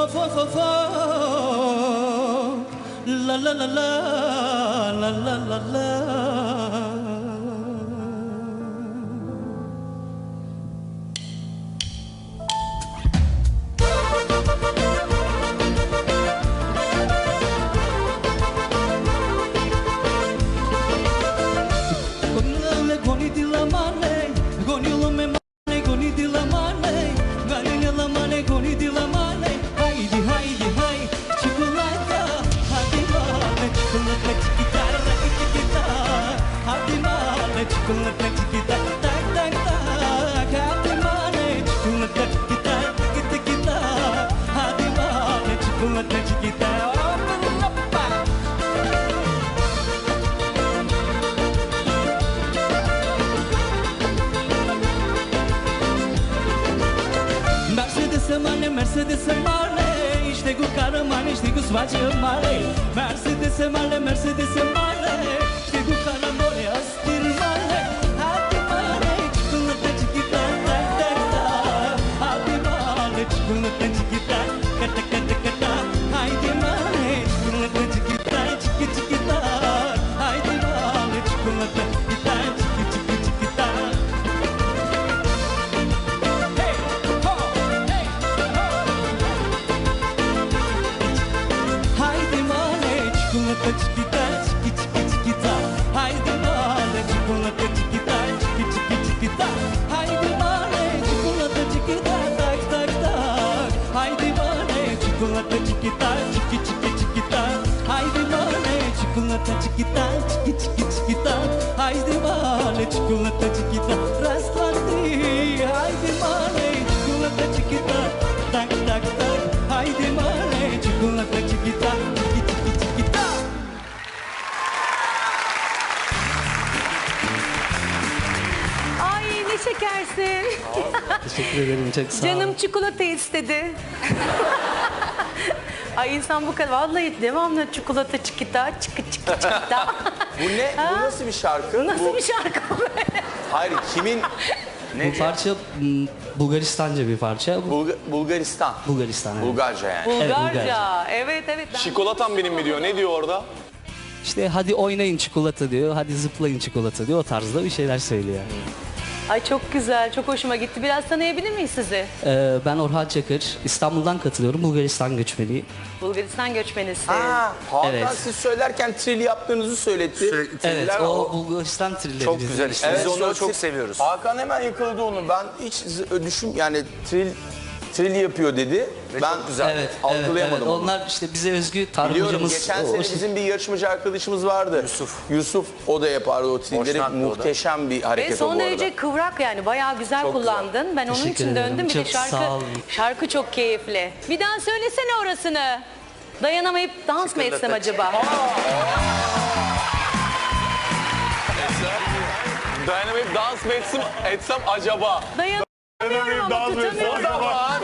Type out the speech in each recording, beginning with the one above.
Of of of of. La la la la la la la la. Mercedes male, işte bu kahraman, işte bu svacı male. Mercedes male, Mercedes male, işte bu kahraman, astir male. Hadi male, çikolata çikita, tak tak tak. Hadi male, çikolata çikita, kata kata kata. Haydi male, çikolata çikita, çiki çikita. Haydi male, çikolata çikita, çiki çiki çikita. Chiquita, chiqui chiqui chiquita, haydi male, çikolata chiquita, chiqui chiqui chiquita, haydi male, çikolata chiquita, tak tak tak, haydi male, çikolata chiquita, chiqui chiqui chiquita, haydi male, çikolata chiquita, chiqui chiqui chiquita, haydi male, çikolata chiquita, rastlandı, haydi male, çikolata chiquita, tak tak tak, haydi male, çikolata chiquita, chiqui chiqui chiquita. Şekersin. Teşekkür ederim, çok sağ ol. Canım çikolata istedi. Ay insan bu kadar vallahi devamlı çikolata çikita çıkı çıkı çıkita. Bu ne? Bu nasıl bir şarkı? Nasıl bir şarkı böyle? Hayır, kimin? Bu parça Bulgaristanca bir parça. Bulgaristan. Bulgaristan, evet. Bulgarca yani. Bulgarca. Evet evet. Çikolatam benim mi diyor? Ne diyor orada? İşte hadi oynayın çikolata diyor, hadi zıplayın çikolata diyor. O tarzda bir şeyler söylüyor. Ay çok güzel, çok hoşuma gitti. Biraz tanıyabilir miyiz sizi? Ben Orhan Çakır, İstanbul'dan katılıyorum. Bulgaristan göçmeniyim. Bulgaristan göçmenisin. Hakan Evet. siz söylerken trill yaptığınızı söyledi. Evet, o Bulgaristan trilleri. Çok güzel işte. Evet, Biz onları çok çok seviyoruz. Hakan hemen yakaladı onu. Ben hiç yani trill yapıyor dedi. Ve Ben çok güzel. Evet, algılayamadım onu. Onlar işte bize özgü tarih Biliyorum, hocamız. geçen sene bizim bir yarışmacı arkadaşımız vardı. Yusuf, o da yapardı o trilleri. Boşnaklı o da. Muhteşem bir hareket Ve o son bu arada. derece kıvrak yani bayağı güzel Çok kullandın. Ben onun Teşekkür için ederim. döndüm. Bir de Çok sağ olun. şarkı çok keyifli. Bir daha söylesene orasını. Dayanamayıp dans mı etsem acaba? Dayanamayıp dans mı etsem acaba? Dayanamıyorum ama tutamıyorum. O zaman.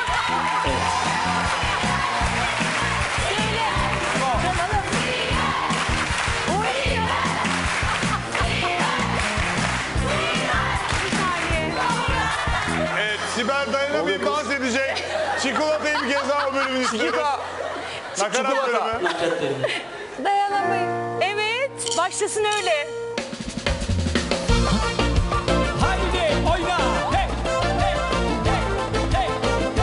Evet, Sibel dayanamayıp dans edecek. Çikolatayı bir kez daha o bölümün istiyoruz. Nakarat bölümü. Dayanamayıp. Evet, başlasın öyle. Haydi oyna! Hey! Hey! Hey! Hey!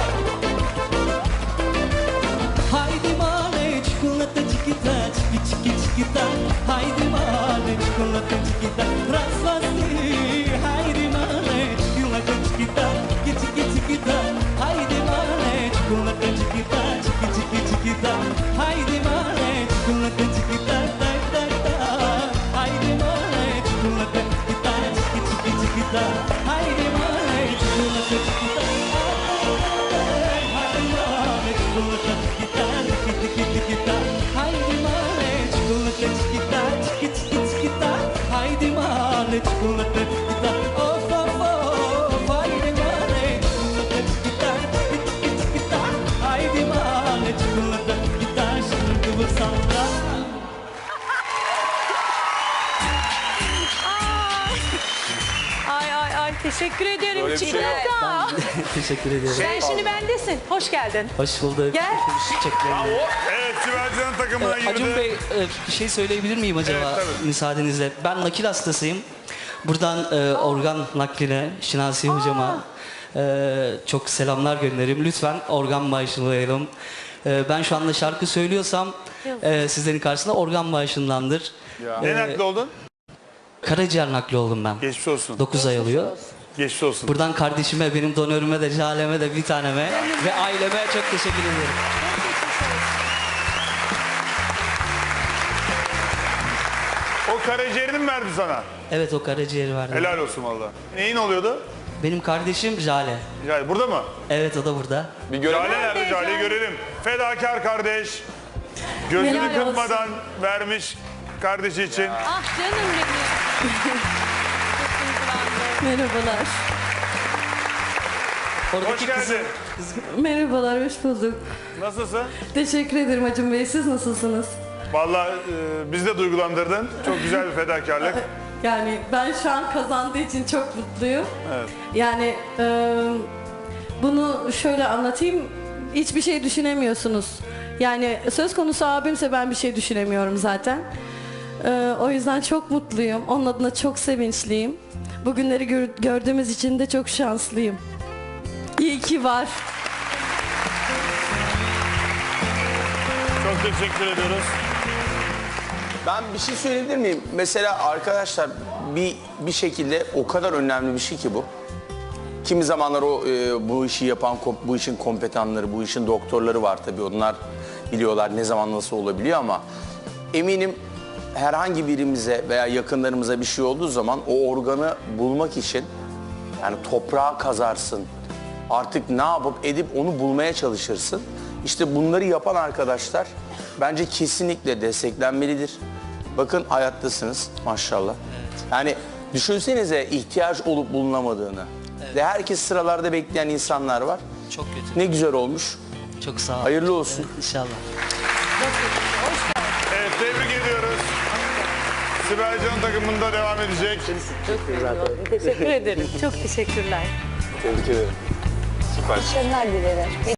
Haydi male, çikolata çikita, çiki çiki çikita. Haydi male, çikolata çikita, rastlandı. Haydi male, çikolata çikita, çiki çiki çikita. Haydi male, çikolata çikita, çiki çiki çikita. Haydi male, çikolata çikita, tak tak tak. Haydi male, çikolata çikita, çiki çiki çikita. Haydi male, çikolata çikita. Haydi male, çikolata çikita, çiki çiki çikita. Haydi male, çikolata çikita, çiki çiki çikita. Haydi male, çikolata çikita. Of of of. Haydi male, çikolata çikita, çiki çiki çikita. Teşekkür ederim Böyle bir şey yok. Çikolata. Teşekkür ederim. Sen şimdi bendesin. Hoş geldin. Hoş bulduk. Gel. Teşekkürler. Evet Sibel Can'ın takımına girdi. Acun Bey bir şey söyleyebilir miyim acaba Evet, tabii. müsaadenizle? Ben nakil hastasıyım. Buradan organ nakline Şinasi hocama çok selamlar gönderirim. Lütfen organ bağışlayalım. Ben şu anda şarkı söylüyorsam sizlerin karşısında organ bağışındandır. Ne nakli oldun? Karaciğer nakli oldum ben. Geçmiş olsun. 9 ay oluyor. Geçmiş olsun. Buradan kardeşime, benim donörüme de, Jale'me de, bir taneme ve aileme çok teşekkür ederim. O karaciğerini mi verdi sana? Evet, o karaciğeri verdi. Helal olsun valla. Neyin oluyordu? Benim kardeşim Jale. Jale burada mı? Evet, o da burada. Bir görelim. Jale nerede? Jale'yi görelim. Fedakar kardeş. Gözünü Helal olsun. kırpmadan vermiş kardeşi için. Ah canım benim. Merhabalar. Oradaki Hoş geldin. Merhabalar, hoş bulduk. Nasılsın? Teşekkür ederim Acun Bey. Siz nasılsınız? Vallahi bizi de duygulandırdın. Çok güzel bir fedakarlık. Yani ben şu an kazandığı için çok mutluyum. Evet. Yani bunu şöyle anlatayım. Hiçbir şey düşünemiyorsunuz. Yani söz konusu abimse ben bir şey düşünemiyorum zaten. O yüzden çok mutluyum. Onun adına çok sevinçliyim. Bugünleri gördüğümüz için de çok şanslıyım. İyi ki var. Çok teşekkür ediyoruz. Ben bir şey söyleyebilir miyim? Mesela arkadaşlar bir şekilde o kadar önemli bir şey ki bu. Kimi zamanlar o bu işi yapan, bu işin kompetanları, bu işin doktorları var tabii. Onlar biliyorlar ne zaman nasıl olabiliyor ama eminim herhangi birimize veya yakınlarımıza bir şey olduğu zaman o organı bulmak için yani toprağa kazarsın. Artık ne yapıp edip onu bulmaya çalışırsın. İşte bunları yapan arkadaşlar bence kesinlikle desteklenmelidir. Bakın hayattasınız maşallah. Yani düşünsenize ihtiyaç olup bulunamadığını. Ve herkes sıralarda bekleyen insanlar var. Çok kötü. Ne güzel olmuş. Çok sağ ol. Hayırlı olsun. Evet, İnşallah. Evet tebrik ediyoruz. Sibel Can takımında devam edecek. Teşekkür ederim. Çok teşekkürler. Tebrik ederim. Süper. Başarılar dilerim.